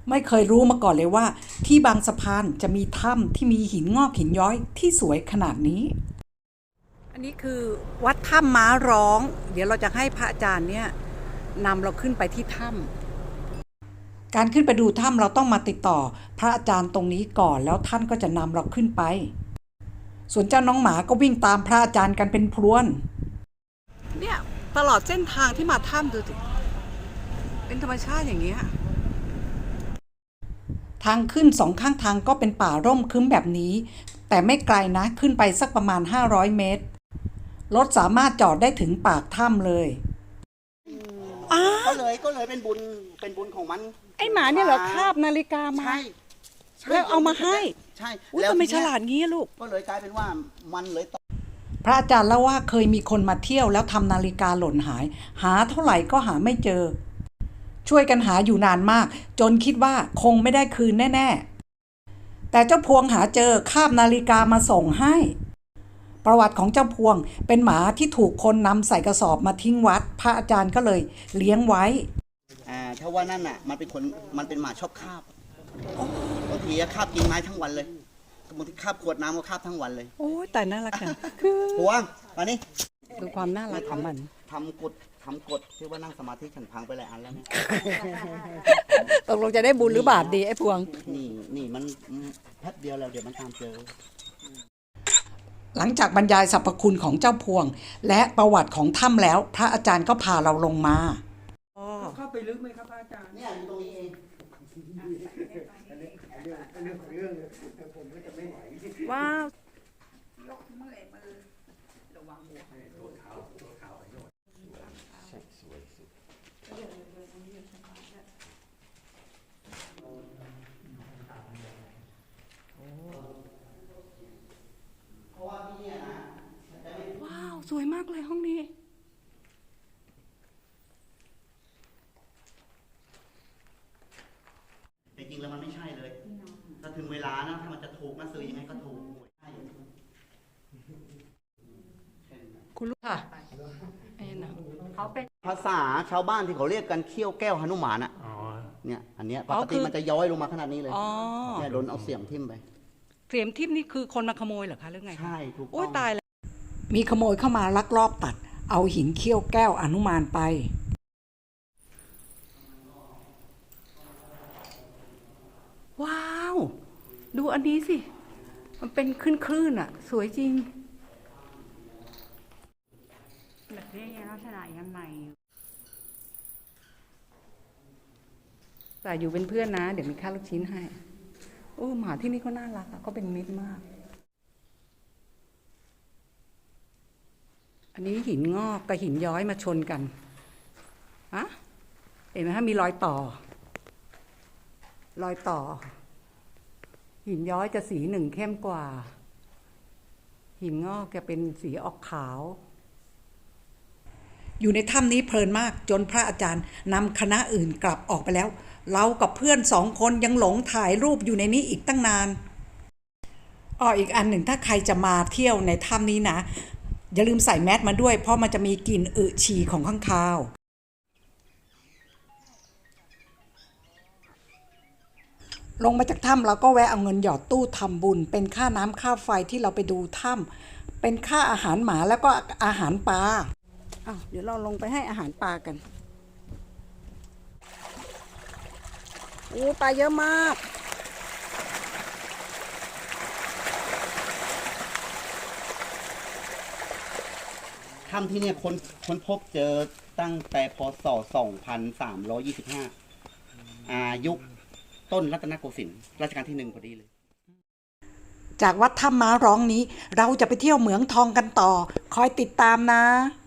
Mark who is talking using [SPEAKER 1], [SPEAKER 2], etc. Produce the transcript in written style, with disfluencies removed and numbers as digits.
[SPEAKER 1] ไม่เคยรู้มาก่อนเลยว่าที่บางสะพานจะมีถ้ำที่มีหินงอกหินย้อยที่สวยขนาดนี้อันนี้คือวัดถ้ำม้าร้องเดี๋ยวเราจะให้พระอาจารย์เนี่ยนำเราขึ้นไปที่ถ้ำการขึ้นไปดูถ้ำเราต้องมาติดต่อพระอาจารย์ตรงนี้ก่อนแล้วท่านก็จะนำเราขึ้นไปส่วนเจ้าน้องหมาก็วิ่งตามพระอาจารย์กันเป็นพรวนเนี่ยตลอดเส้นทางที่มาถ้ำดูสิเป็นธรรมชาติอย่างนี้ทางขึ้นสองข้างทางก็เป็นป่าร่มครึ้มแบบนี้แต่ไม่ไกลนะขึ้นไปสักประมาณ500 เมตรรถสามารถจอดได้ถึงปากถ้ำเลย
[SPEAKER 2] ก็เลยเป็นบุญของมัน
[SPEAKER 1] ไอหมาเนี่ยเหรอคาบนาฬิกามา
[SPEAKER 2] ใช่
[SPEAKER 1] แล้วเอามาให้
[SPEAKER 2] ใช่
[SPEAKER 1] แล้วทำไมฉลาดงี้ลูก
[SPEAKER 2] ก็เลยกลายเป็นว่ามันเลย
[SPEAKER 1] พระอาจารย์เล่าว่าเคยมีคนมาเที่ยวแล้วทำนาฬิกาหล่นหาเท่าไหร่ก็หาไม่เจอช่วยกันหาอยู่นานมากจนคิดว่าคงไม่ได้คืนแน่ๆแต่เจ้าพวงหาเจอคาบนาฬิกามาส่งให้ประวัติของเจ้าพวงเป็นหมาที่ถูกคนนำใส่กระสอบมาทิ้งวัดพระอาจารย์ก็เลยเลี้ยงไว้
[SPEAKER 2] ถ้าว่านั่นน่ะมันเป็นหมาชอบคาบบางทีคาบกิ่งไม้ทั้งวันเลยบางทีคาบขวดน้ำก็คาบทั้งวันเลย
[SPEAKER 1] โอ้ยแต่น่ารักจังคือ
[SPEAKER 2] พวงมานี่
[SPEAKER 1] ดูความน่ารักของมัน
[SPEAKER 2] ทำกฎที่ว่านั่งสมาธิฉันพังไปหลายอันแล้วเนี่ย
[SPEAKER 1] ตกลงจะได้บุญหรือบาปดีไอ้พวง
[SPEAKER 2] นี่มันแป๊บเดียวแล้วเดี๋ยวมันตามเจอ
[SPEAKER 1] หลังจากบรรยายสรรพคุณของเจ้าพวงและประวัติของถ้ำแล้วพระอาจารย์ก็พาเราลงมา
[SPEAKER 3] เข้าไปลึกไหมครับอาจารย์
[SPEAKER 2] เนี่ยอยู่ตรงนี้เอง
[SPEAKER 3] ผมก็จะไม่ไหว
[SPEAKER 1] ว้าวว้าวสวยมากเลยห้องนี้
[SPEAKER 2] จริงๆแล้วมันไม่ใช่เลยถ้าถึงเวลานะถ้ามันจะถูกนะซื้อยังไงก็ถูก
[SPEAKER 1] คุณลูกค่ะเขาเป็น
[SPEAKER 2] ภาษาชาวบ้านที่เขาเรียกกันเขี้ยวแก้วหนุมานอ่ะเนี่ยอันเนี้ยปกติมันจะย้อยลงมาขนาดนี้เลยเนี่ยโดนเอาเสียมทิ่มไป
[SPEAKER 1] เสียมทิ่มนี่คือคนมาขโมยเหรอคะหรือไง
[SPEAKER 2] ใช่ถูกต้อง
[SPEAKER 1] โอ้ยตายแล้วมีขโมยเข้ามาลักลอบตัดเอาหินเขี้ยวแก้วอนุมานไปว้าวดูอันนี้สิมันเป็นคลื่นอ่ะสวยจริง
[SPEAKER 4] แบบนี้ลักษณะยังไง
[SPEAKER 1] แต่อยู่เป็นเพื่อนนะเดี๋ยวมีค่าลูกชิ้นให้โอ้หมาที่นี่ก็น่ารักเขาเป็นมิตรมากอันนี้หินงอกกับหินย้อยมาชนกันอะเห็นไหมฮะมีรอยต่อหินย้อยจะสีหนึ่งเข้มกว่าหินงอกจะเป็นสีออกขาวอยู่ในถ้ำนี้เพลินมากจนพระอาจารย์นำคณะอื่นกลับออกไปแล้วเรากับเพื่อน2 คนยังหลงถ่ายรูปอยู่ในนี้อีกตั้งนานอีกอันหนึ่งถ้าใครจะมาเที่ยวในถ้ำนี้นะอย่าลืมใส่แมสมาด้วยเพราะมันจะมีกลิ่นอึฉี่ของข้างคาวลงมาจากถ้ำเราก็แวะเอาเงินหยอดตู้ทำบุญเป็นค่าน้ำค่าไฟที่เราไปดูถ้ำเป็นค่าอาหารหมาแล้วก็อาหารปลาเดี๋ยวเราลงไปให้อาหารปลากันโอ้ปลาเยอะมาก
[SPEAKER 2] ถ้ำที่เนี่ยค้นพบเจอตั้งแต่พศ2325ยุคต้นรัตนโกสินทร์รัชกาลที่1พอดีเลย
[SPEAKER 1] จากวัดถ้ำม้าร้องนี้เราจะไปเที่ยวเหมืองทองกันต่อคอยติดตามนะ